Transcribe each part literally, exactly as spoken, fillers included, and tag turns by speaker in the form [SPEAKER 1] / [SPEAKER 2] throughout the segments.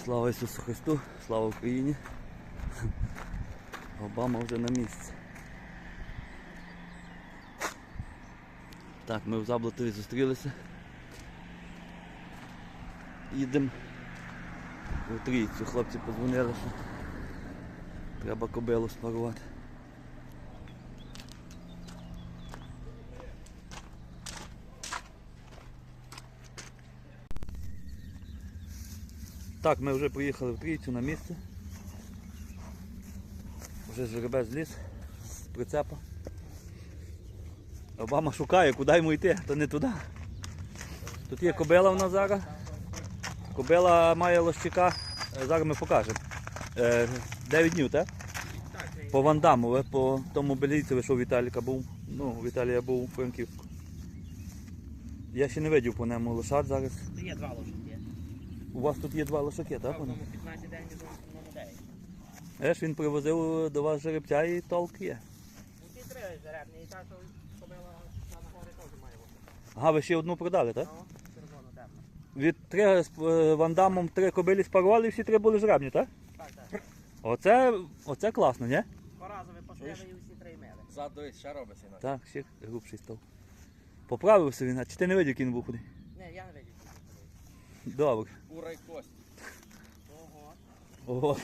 [SPEAKER 1] Слава Ісусу Христу, слава Україні. Обама вже на місці. Так, ми в Заблатові зустрілися. Їдемо у Трійцю. Хлопці подзвонили, що треба кобилу спарувати. Так, ми вже приїхали в Трійцю на місце. Вже жеребець зліз з прицепа. Обама шукає, куди йому йти, то не туди. Тут є кобила в нас зараз. Кобила має лощика, зараз ми покажемо. дев'ять днів, так? По Вандаму, по тому белійцеві, що у Віталіка був. Ну, у Віталія був у Франківську. Я ще не видів по ньому лошад зараз.
[SPEAKER 2] Є два лошаки.
[SPEAKER 1] У вас тут є два лошаки, так?
[SPEAKER 2] Так, п'ятнадцять день на дев'ять.
[SPEAKER 1] Еш, він привозив до вас жеребця і толк є.
[SPEAKER 2] Ну, ті три жеребні, і та, що кобила на гори теж має лошаки.
[SPEAKER 1] Ага, ви ще одну продали, так?
[SPEAKER 2] Ну, червоно темно.
[SPEAKER 1] Від три з е, Вандамом три кобилі спарували і всі три були жеребні, так?
[SPEAKER 2] Так, так.
[SPEAKER 1] Оце, оце класно, ні?
[SPEAKER 2] Поразові пошли і всі три мили.
[SPEAKER 3] Зад ще робиться інакше.
[SPEAKER 1] Так, ще грубший став. Поправився він, а чи ти не видів, який він був худий?
[SPEAKER 2] Ні, я не видів.
[SPEAKER 1] Добре.
[SPEAKER 3] Кура й кость.
[SPEAKER 2] Ого.
[SPEAKER 1] Ого.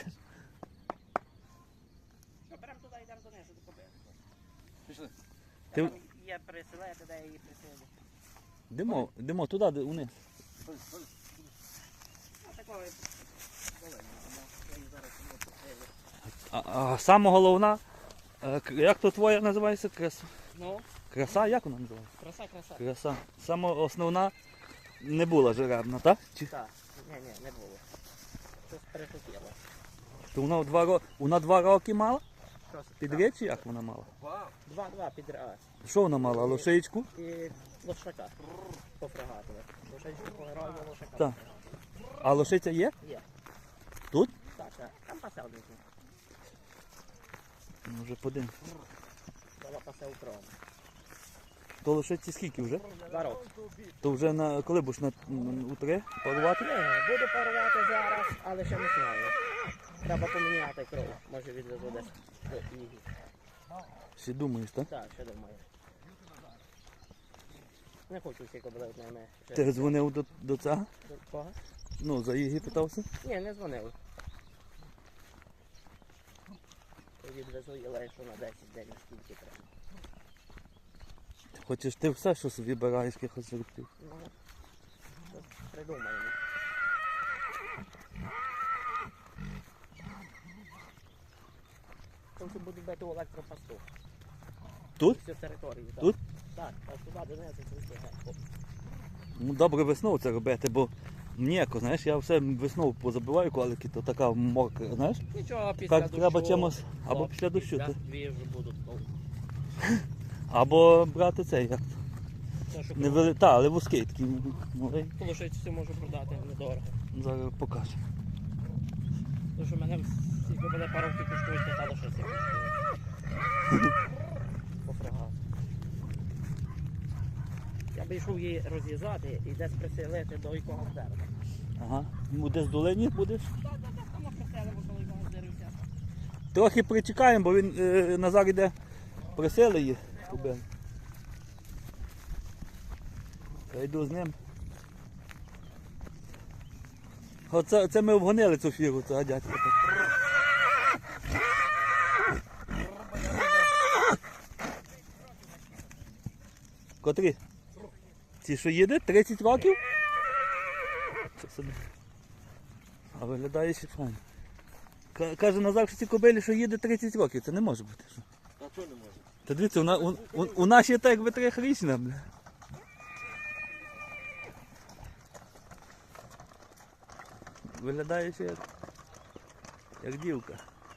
[SPEAKER 2] Що, беремо туди, йдемо донизу до кобили.
[SPEAKER 3] Пішли.
[SPEAKER 1] Ти-
[SPEAKER 2] Там є приселити, де її присилити.
[SPEAKER 1] Димо, димо туди, де униз.
[SPEAKER 3] Стой, стой.
[SPEAKER 2] А такої долини, я її зараз не присилю.
[SPEAKER 1] А, а саме головна, е, к- як то твоя називається? Краса?
[SPEAKER 2] Ну,
[SPEAKER 1] Краса? Як вона називається?
[SPEAKER 2] краса, краса.
[SPEAKER 1] Краса. Саме основна не була жеребна, так? Чи
[SPEAKER 2] Так, ні, ні, не було. Щось перехотіло.
[SPEAKER 1] то вона в два роки, вона два роки мала?
[SPEAKER 2] Щось
[SPEAKER 1] Підряд чи як вона мала?
[SPEAKER 3] Вау.
[SPEAKER 2] Два-два підряд.
[SPEAKER 1] Що вона мала? Лошичку?
[SPEAKER 2] І лошака пофрагатили. Лошачку пограю лошака.
[SPEAKER 1] Так. А лошиця є?
[SPEAKER 2] Є.
[SPEAKER 1] Тут?
[SPEAKER 2] Так, так. Там пасе один.
[SPEAKER 1] Ну, вже подивимось.
[SPEAKER 2] Дала пасе у крові.
[SPEAKER 1] То лошиці скільки вже?
[SPEAKER 2] Два роки.
[SPEAKER 1] То вже на коли будеш на, у три парувати?
[SPEAKER 2] Ні, буду парувати зараз, але ще не знаю. Треба поміняти кров. Може відвезу десь до Ігі.
[SPEAKER 1] Ще думаєш, так?
[SPEAKER 2] Так, ще думаю. Не хочу всі кобили в ними.
[SPEAKER 1] Ти дзвонив до, до цього?
[SPEAKER 2] До кого?
[SPEAKER 1] Ну, за її питався?
[SPEAKER 2] Ні, не дзвонив. Відвезу її лише на десять день, скільки треба.
[SPEAKER 1] Хочеш ти все, що собі бираєш якихось жеребців?
[SPEAKER 2] Ну, щось придумаємо. Хочу буду бити у електропосту.
[SPEAKER 1] Тут?
[SPEAKER 2] Всю територію. Так.
[SPEAKER 1] Тут?
[SPEAKER 2] Так, так, туди донизу, туди. Оп.
[SPEAKER 1] Ну, добре весною це робити, бо м'яко, знаєш, я все весною позабиваю колики, то така мокра, знаєш?
[SPEAKER 2] Нічого, після
[SPEAKER 1] Так
[SPEAKER 2] дощу.
[SPEAKER 1] треба чимось, або
[SPEAKER 2] хлопці,
[SPEAKER 1] після дощу,
[SPEAKER 2] да,
[SPEAKER 1] то-
[SPEAKER 2] дві вже будуть. ну,
[SPEAKER 1] або брати цей, як
[SPEAKER 2] то, що
[SPEAKER 1] не вели... Та, але вузький такий малий.
[SPEAKER 2] Полошицю можу продати недорого.
[SPEAKER 1] Зараз покажу.
[SPEAKER 2] Тому що в мене всі кобили паровки коштують п'ята лошиця коштує. Пофрагат. Я би йшов її розв'язати і десь приселити до якогось дерева.
[SPEAKER 1] Ага. Ну, десь в долині будеш?
[SPEAKER 2] Так, так, так, там приселимо, коли якогось дерева.
[SPEAKER 1] Трохи причекаємо, бо він е, Назар йде присили її. Кубин. Я йду з ним. Оце, це ми обгонили цю фіру, цього дядька. Котрі? Ці, що їде? тридцять років? Це собі. А виглядає ще файно. Ка- Каже Назар, що ці кобилі, що їде тридцять років, це не може бути. Що?
[SPEAKER 3] А чого не може?
[SPEAKER 1] Та дивіться, у, на- у, у, у нас є так якби трьохрічна, бля. Виглядає ще як, як дівка.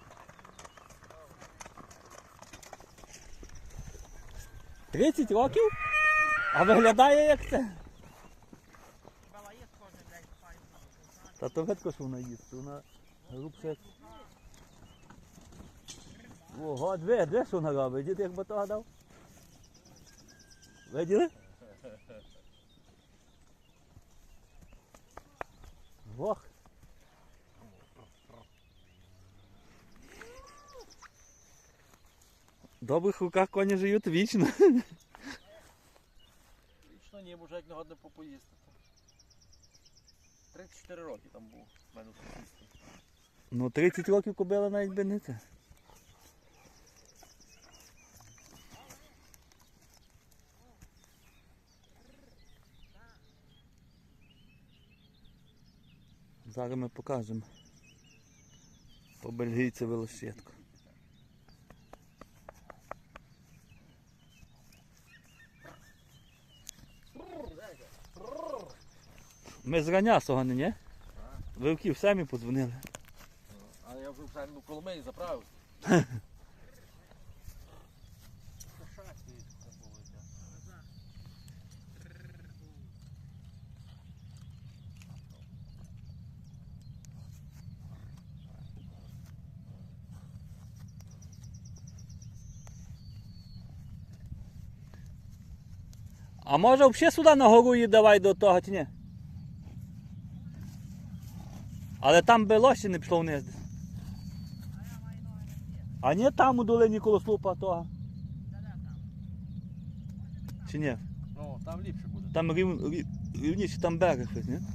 [SPEAKER 1] тридцять років? А виглядає як це? Та то видко, що вона їсть, вона грубше як... Ого, дві, дві, що вона робить, дід як батога дав. Виділи? Ох. добрих руках коні живуть вічно.
[SPEAKER 3] Вічно ні, може як не годне попоїсти. тридцять чотири роки там був в мене в сусідстві.
[SPEAKER 1] Ну, тридцять років кобила навіть би не це. Зараз ми покажемо по бельгійцеві лощетку. Ми зрання сьогодні, ні? Вивків самі подзвонили.
[SPEAKER 3] А я вже в Шарну Коломиї заправив.
[SPEAKER 1] А може взагалі сюди на гору її давай до того, чи ні? Але там би лощі не пішло вниз. А ні там у долині коло слупа того. Чи ні?
[SPEAKER 3] Ну, там ліпше буде.
[SPEAKER 1] Там рів, рів, рівніше, там берег ось, ні?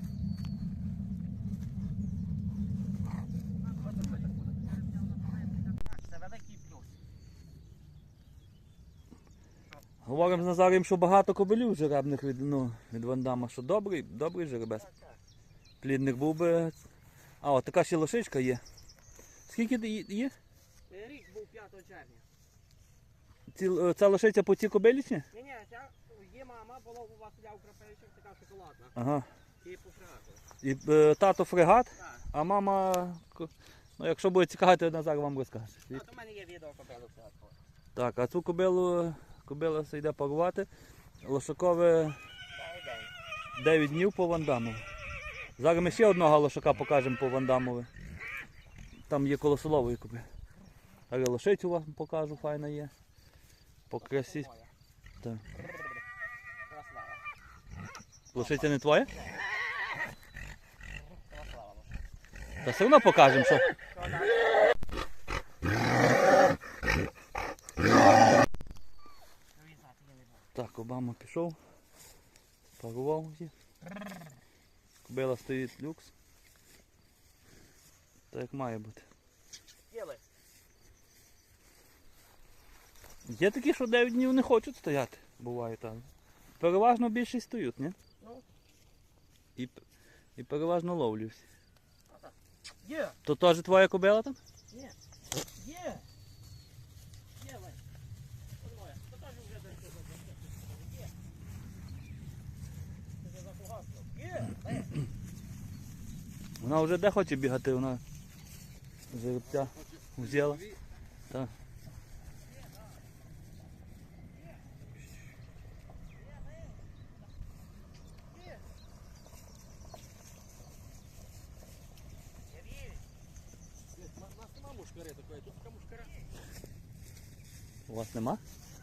[SPEAKER 2] Це великий плюс.
[SPEAKER 1] Говоримо з Назарієм, що багато кобилів жеребних від, ну, від Вандама, що добрий, добрий жеребець.
[SPEAKER 2] Так, так.
[SPEAKER 1] Плідник був би. А, от така ще лошичка є. Скільки ї- є?
[SPEAKER 2] Рік був п'ятого червня.
[SPEAKER 1] Ці, е, ця лошиця по цій кобилі чи ні?
[SPEAKER 2] Ні, ні, ця є мама, була у Василя Украпевича, така шоколадна.
[SPEAKER 1] Ага.
[SPEAKER 2] І по фрегату.
[SPEAKER 1] І е, тато фрегат,
[SPEAKER 2] Так.
[SPEAKER 1] а мама. ко- Ну, якщо буде цікавити, Назар вам розкаже.
[SPEAKER 2] А то в мене є відео кобилу фрегату.
[SPEAKER 1] Так, а цю кобилу, кобила все йде парувати. Лошакове
[SPEAKER 2] Дай день.
[SPEAKER 1] дев'ять днів по Вандамові. Зараз ми ще одного лошака покажемо по Вандамові. Там є коло солової кобили. Зараз лошицю вам покажу, файна є. По красі.
[SPEAKER 2] Моя.
[SPEAKER 1] Так.
[SPEAKER 2] Красава.
[SPEAKER 1] Лошиця не твоя?
[SPEAKER 2] Красава.
[SPEAKER 1] Та все одно покажемо, що.
[SPEAKER 2] Що далі? Вирізати я не буду.
[SPEAKER 1] Так, Обама пішов. Парував її. Кобила стоїть люкс. Так як має бути.
[SPEAKER 2] Діли.
[SPEAKER 1] Є такі, що дев'ять днів не хочуть стояти. Буває так. Переважно більшість стоять, ні?
[SPEAKER 2] Ну,
[SPEAKER 1] І, і переважно ловлю всі.
[SPEAKER 2] є.
[SPEAKER 1] То теж твоя кобила там?
[SPEAKER 2] Є. Є. Є, Лесь. Ось моя. То теж вже десь тут. Є. Ти вже запугався. Є. Лесь.
[SPEAKER 1] Вона вже де хоче бігати, вона жеребця взяла. Так.
[SPEAKER 2] Я вірю.
[SPEAKER 3] У нас нема мушкари такої, тут така мушкара.
[SPEAKER 1] У вас нема?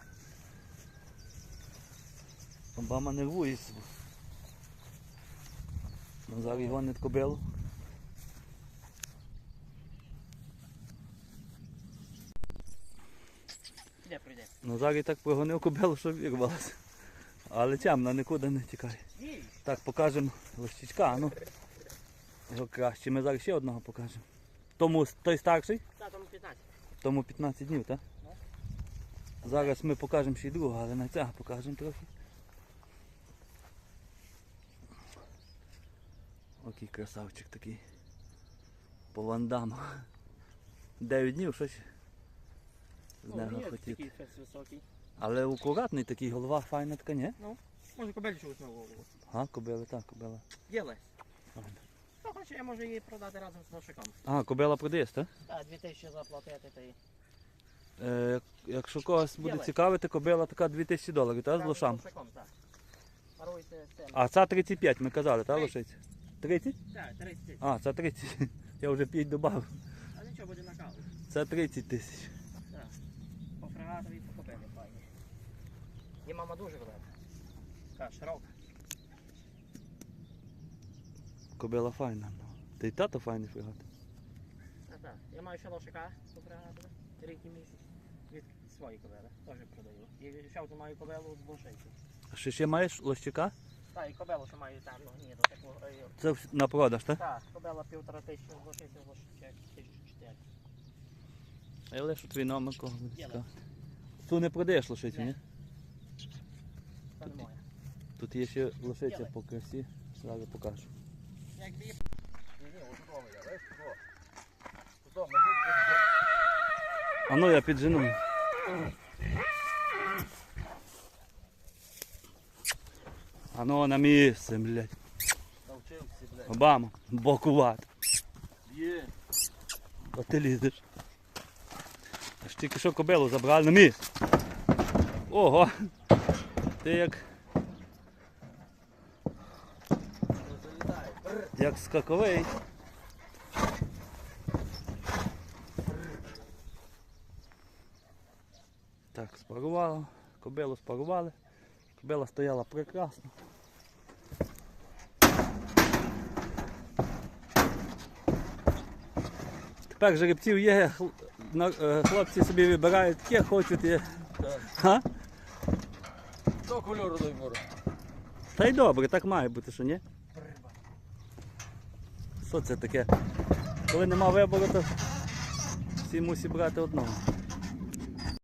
[SPEAKER 1] Обама нервується. Назар гонить кобилу.
[SPEAKER 2] Де прийде?
[SPEAKER 1] Назар і так прогонив кобилу, що вірвалася. Але темна, нікуди не тікає.
[SPEAKER 2] Вірю.
[SPEAKER 1] Так, покажемо лощичка, а ну. Його краще. Ми зараз ще одного покажемо. Тому той старший,
[SPEAKER 2] Та там п'ятнадцять.
[SPEAKER 1] тому п'ятнадцять днів, так? Зараз ми покажемо ще й другого, але на цього покажемо трохи. Окей, красавчик такий. По вандаму. дев'ять днів, що ще? З
[SPEAKER 2] Ну,
[SPEAKER 1] нього
[SPEAKER 2] є
[SPEAKER 1] хотіти.
[SPEAKER 2] такий фес високий.
[SPEAKER 1] Але акуратний такий, голова файна така, ні?
[SPEAKER 2] Може кобель чогось на голову.
[SPEAKER 1] А, кобила, так, кобила.
[SPEAKER 2] Є, Лесь.
[SPEAKER 1] Ага.
[SPEAKER 2] Хто хоче, я можу її продати разом з лошиком.
[SPEAKER 1] А, кобила продаєш, так?
[SPEAKER 2] Так, дві тисячі заплатити та й.
[SPEAKER 1] Е, як- якщо когось буде
[SPEAKER 2] Ділай.
[SPEAKER 1] цікавити, кобила така дві тисячі доларів, так, з
[SPEAKER 2] Разом
[SPEAKER 1] лошам?
[SPEAKER 2] лошиком, так. Паруйте з цим.
[SPEAKER 1] А ця тридцять п'ять, ми казали, так, лошиця? тридцять?
[SPEAKER 2] Так, тридцять тисяч.
[SPEAKER 1] А, це тридцять. Я вже п'ять додав.
[SPEAKER 2] А нічого буде на каву.
[SPEAKER 1] Це тридцять тисяч.
[SPEAKER 2] Так. По фрегатові по кобилі файні. І мама дуже велика. Така широка.
[SPEAKER 1] Кобила файна. ну. Та й тато файний фрегат.
[SPEAKER 2] Так, так. Я маю ще лошика по фрегатові. Рік і місяць. Від свої кобили, теж продаю. І ще одну маю кобилу з Болшейки.
[SPEAKER 1] А ще ще маєш лощика?
[SPEAKER 2] Так, і кобилу, що маю темну гніду, таку. е,
[SPEAKER 1] Це вс- на продаж, так?
[SPEAKER 2] Так, кобила півтора тисячі з Болшейки, з Болшейки тисячу чотири.
[SPEAKER 1] А я лишу твій номер кого буде
[SPEAKER 2] Є,
[SPEAKER 1] цікаво. Ту не продаєш лошицю,
[SPEAKER 2] Ні.
[SPEAKER 1] ні?
[SPEAKER 2] Це не моя.
[SPEAKER 1] Тут є ще лошиця
[SPEAKER 2] Є.
[SPEAKER 1] по красі, зараз покажу.
[SPEAKER 2] Якби її
[SPEAKER 3] Ні, ні, ось удома я, знаєш, куди? Удома,
[SPEAKER 1] А ну я піджену. А ну на місце, блядь.
[SPEAKER 3] навчився, блядь.
[SPEAKER 1] Обама, бокувати.
[SPEAKER 3] Є.
[SPEAKER 1] А ти лізеш. Аж тільки що кобилу забрали на місце. Ого! Ти як,
[SPEAKER 3] Залітай.
[SPEAKER 1] як скаковий. Так, спарувало. Кобилу спарували. Кобила стояла прекрасно. Тепер жеребців є, хл- на- е, хлопці собі вибирають, яке хочуть. Є. Га?
[SPEAKER 3] До кольору дай бору.
[SPEAKER 1] Та й добре, так має бути, що ні? Що це таке? Коли нема вибору, то всі мусять брати одного.